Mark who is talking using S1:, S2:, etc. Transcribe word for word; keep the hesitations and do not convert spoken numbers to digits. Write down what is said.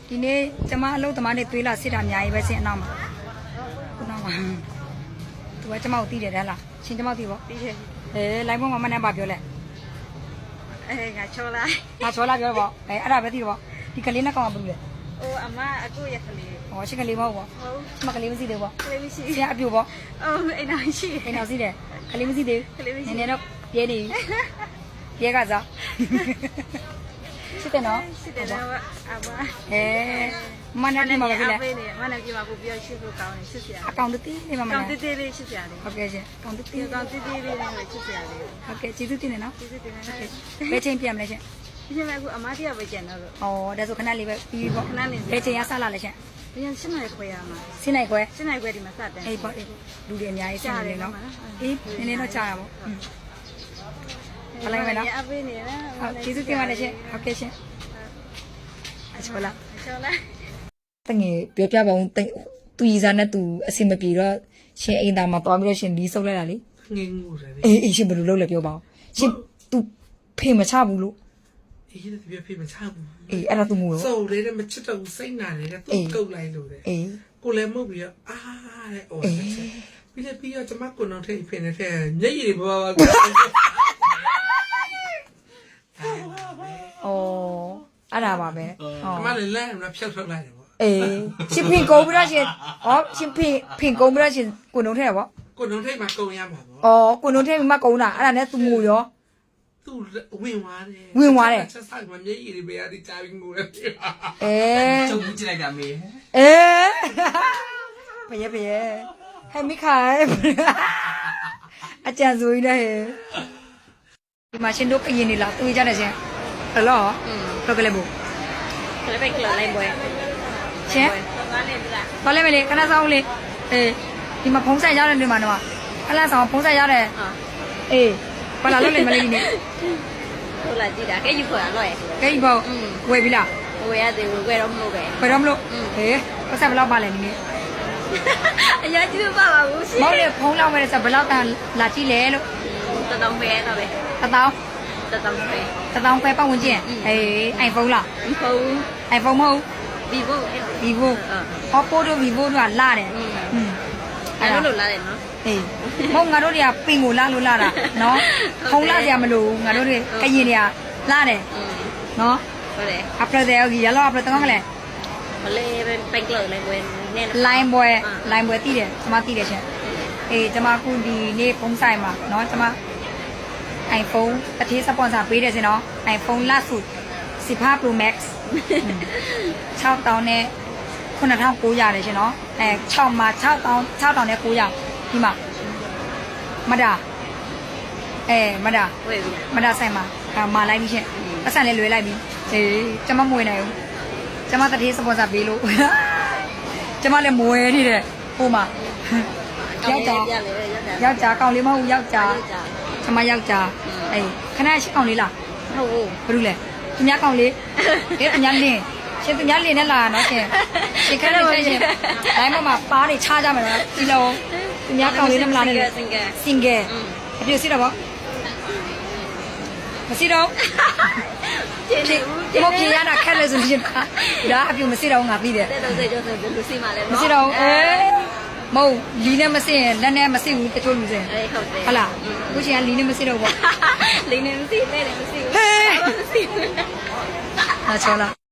S1: ဒီနေ့ကျမအလုပ်သမားတွေသွေးလာစစ်တာအများကြီးပဲရှင်အနောက်မှာခုနောက်မှာသူကကျမကိုတီးတယ်တဲ့လားရှင်ကျမတီးပေါ့တီးတယ်အဲလိုင်းပေါ်မှာမနဲ့ပါပြောလဲအဲငါချောလာငါချောလာပြောပေါ့အဲအဲ့ဒါပဲတီးတော့ဒီကလေးနဲ့ကောင်ကဘယ်လိုလဲဟိုအမအခုရကလေးဟောရှင်ကလေးမဟုတ်ပေါ့ဟုတ်ကျမကလေးမရှိသေးဘူးပေါ့ကလေးမရှိရှင်အပြူပေါ့အော်အိမ်နောက်ရှိအိမ်နောက်ရှိတယ်ကလေးမရှိသေးဘူးနည်းနည်းတော့ပြဲနေပြဲကစားစစ်တယ်နော်စစ်တယ်နော်အဘအဲမနက်ပြမှာပဲလေမနက်ပြမှာပို့ပြီးရှစ်ဖို့ကောင်းတယ်ရှစ်စရာအကောင်တေးလေးမမနက်ကောင်တေးလေးရှစ်စရာလေးဟုတ်ကဲ့ရှင်ကောင်တေးလေးကောင်တေးလေးလေးရှစ်စရာလေးဟုတ်ကဲ့ကျေးဇူးတင်တယ်နော်ကျေးဇူးတင်တယ်ဘယ်ချိန်ပြန်မလဲရှင်ဒီချိန်မှာအခုအမတရားပဲကျန်တော့လို့ဩဒါဆိုခဏလေးပဲပြီးပေါ့ခဏလေးဘယ်ချိန်ရဆက်လာလဲရှင်ဒီရှင်းနိုင်ခွဲရမှာရှင်းနိုင်ခွဲရှင်းနိုင်ခွဲဒီမှာစတယ်အေးပေါ့အေးလူတွေအများကြီးရှင်းနေတယ်နော်အေးနည်းနည်းတော့ကြာတာပေါ့ဘယ်လိုက်မလဲနော်ဟုတ်ကျေးဇူးတင်ပါတယ်ရှင်ဟုတ်ကဲ့ရှင်အချောလာအချောလာတငယ်ပြောပြပါဦးသူရီစားနဲ့သူအစင်မပြေတော့ရှင်အိမ်သားမှာတွားပြီးတော့ရှင်လီးဆုပ်လိုက်တာလေ
S2: ငင်းငူတယ်
S1: အေးအေးရှင်ဘယ်လိုလုပ်လဲပြောပါဦးရှင်သူဖေမချဘူးလို့
S2: အေးဒီပြဖေမချဘူး
S1: အေးအဲ့ဒါသူငူရော
S2: စုံလေးနဲ့မချစ်တော့စိတ်နာတယ်သူကုတ်လိုက်လို့တယ်
S1: အေး
S2: ကိုလည်းမဟုတ်ပြီးတော့အာတဲ့အော်ပြီးလည်းပြီးတော့ကျမကိုတော့ထိဖိနေတဲ့မျက်ရည်တွေဘာဘာကို
S1: อ๋อအဲ့ဒါပါပဲ
S2: ဟောအမလည်းလမ်းမှာဖြောက်ထုတ်လိုက်တယ်ပေါ့
S1: အေးရှင်ဖင်ကုန်းပြီးတော့ရှင်ဟောရှင်ဖင်ဖင်ကုန်းပြီးတော့ရှင်ကိုနှုံထဲရပေါ့
S2: ကိုနှုံထဲမှာကုန်းရမှာပေါ့
S1: อ๋อကိုနှုံထဲမှာကုန်းတာအဲ့ဒါနဲ့သူငိုရော
S2: သူဝင်သွားတယ်
S1: ဝင်သွားတယ်
S2: ချက်ဆိုင်မှာမျက်ရည်တွေပဲအဒီချာပြီးငိုတယ်
S1: အေး
S3: ကျုပ်ကြည့်လိုက်တာမေး
S1: အေးဘယ်ရဘယ်ရဟဲ့မိခိုင်အကြံစိုးကြီးနဲ့ဒီမှာရှင်တို့ကရင်နေလားတွေ့ကြတယ်ရှင်ဟလောဘယ်ကလေးဘူး
S4: ကလေးပဲကလေးပွဲ
S1: ရှင်ဘာလဲမလဲခဏဆောင်လေးအေးဒီမှာဖုံးဆက်ရတယ်ဒီမှာတော့ခဏဆောင်ဖုံးဆက်ရတယ်အေးဘာလာလို့လဲမလေးဒီနေ့
S4: ဟုတ်လားကြည့်တာကဲယူခေါ်ရတော့ရဲ့
S1: ကဲယူပေါ့ဝယ်ပြီလား
S4: ဝယ်ရတယ်ဝယ်တော့မလို့ပဲ
S1: ဝယ်တော့မလို့ဟေးပတ်ဆက်ဘယ်လောက်ပါလဲဒီနေ့
S4: အရာကြီးမပါပါဘူး
S1: မောင်လေးဖုံးလောက်မယ်ဆိုဘယ်လောက်တန်လာကြည့်လဲလို့
S4: တတောင်းပဲတော့ပဲ
S1: တတောင်း
S4: တတောင်းပဲ
S1: တတောင်းပဲပတ်ဝင်ကျင်အေး iPhone လား
S4: iPhone
S1: iPhone မဟုတ်
S4: Vivo
S1: Vivo Oppo တို့ Vivo တို့ကလာတယ်
S4: อืมအဲ့လိုလာတယ်နော်
S1: အေးမဟုတ်ငါတို့တွေကပင်ကိုလာလို့လာတာနော်ဖုံးလာစရာမလိုငါတို့တွေကရင်တွေကလာတယ်နော်
S4: ဟုတ်တယ်
S1: après de hoy ya lo après tengo que le
S4: မလေးပဲပိတ်လို့လည်းဝင်နေ
S1: line ပွဲ line ပွဲတည်တယ်ကျွန်မတည်တယ်ရှင်အေးကျွန်မခုဒီနေ့ဖုံးဆိုင်မှာနော်ကျွန်မ iPhone တတိစပွန်ဆာပေးတယ်စင်နော် iPhone ล่าสุดสิบห้า Pro Max หกพันနဲ့ခုနှစ်ထောင်ကိုရတယ်ရှင်နော်အဲ6မှာ6တောင်း6တောင်းနဲ့ကိုရဒီမှာမဒါအဲမဒါ
S4: ဝယ်ပြီ
S1: မဒါဆိုင်မှာမာလိုက်ပြီရှင်ပတ်စံလေးလွယ်လိုက်ပြီအေးကျွန်မမွေနိုင်ဘူးကျွန်မတတိစပွန်ဆာပေးလို့ကျွန်မလည်းမွေနေတယ်ဟိုမှာယောက်ျားယောက်ျားကောင်လေးမဟုတ်ယောက်ျားကျွန်မယောက်ျားအေးခဏရှိကောင်လေးလား
S4: ဟုတ်ဘူး
S1: ဘာလို့လဲသူများကောင်လေးအေးအညာလင်းရှင်သူများလင်းနဲ့လာနော်ရှင်ရှင်ခဏလေးဆက်ရှင်တိုင်းမှာပါးတွေချားကြမှာနော်ဒီလိုသူများကောင်လေးနဲ့မလာနဲ့
S4: single
S1: single အပြည့်စီတော့ဗောမရှိတော့ဒီမပြေရတာခက်လို့ဆိုရှင်ဒါအပြည့်မရှိတော့ငါပြီးတယ်
S4: တဲ့တော့တဲ့ကျော်ဆိုဘယ်လိုစီမှာလဲနော်
S1: မရှိတော့အေးမဟုတ်လီနဲ့မစင်လက်နဲ့မစင်ဘူးတချို့လူစင်
S4: အေးဟုတ်တယ်
S1: ဟုတ်လားခုချိန်ကလီနဲ့မစင်တော့ဗော
S4: လီနဲ့မစင်တဲ့လည်းမစင်ဘူး
S1: ဟေး
S4: မစင်ဘူး
S1: အချောလား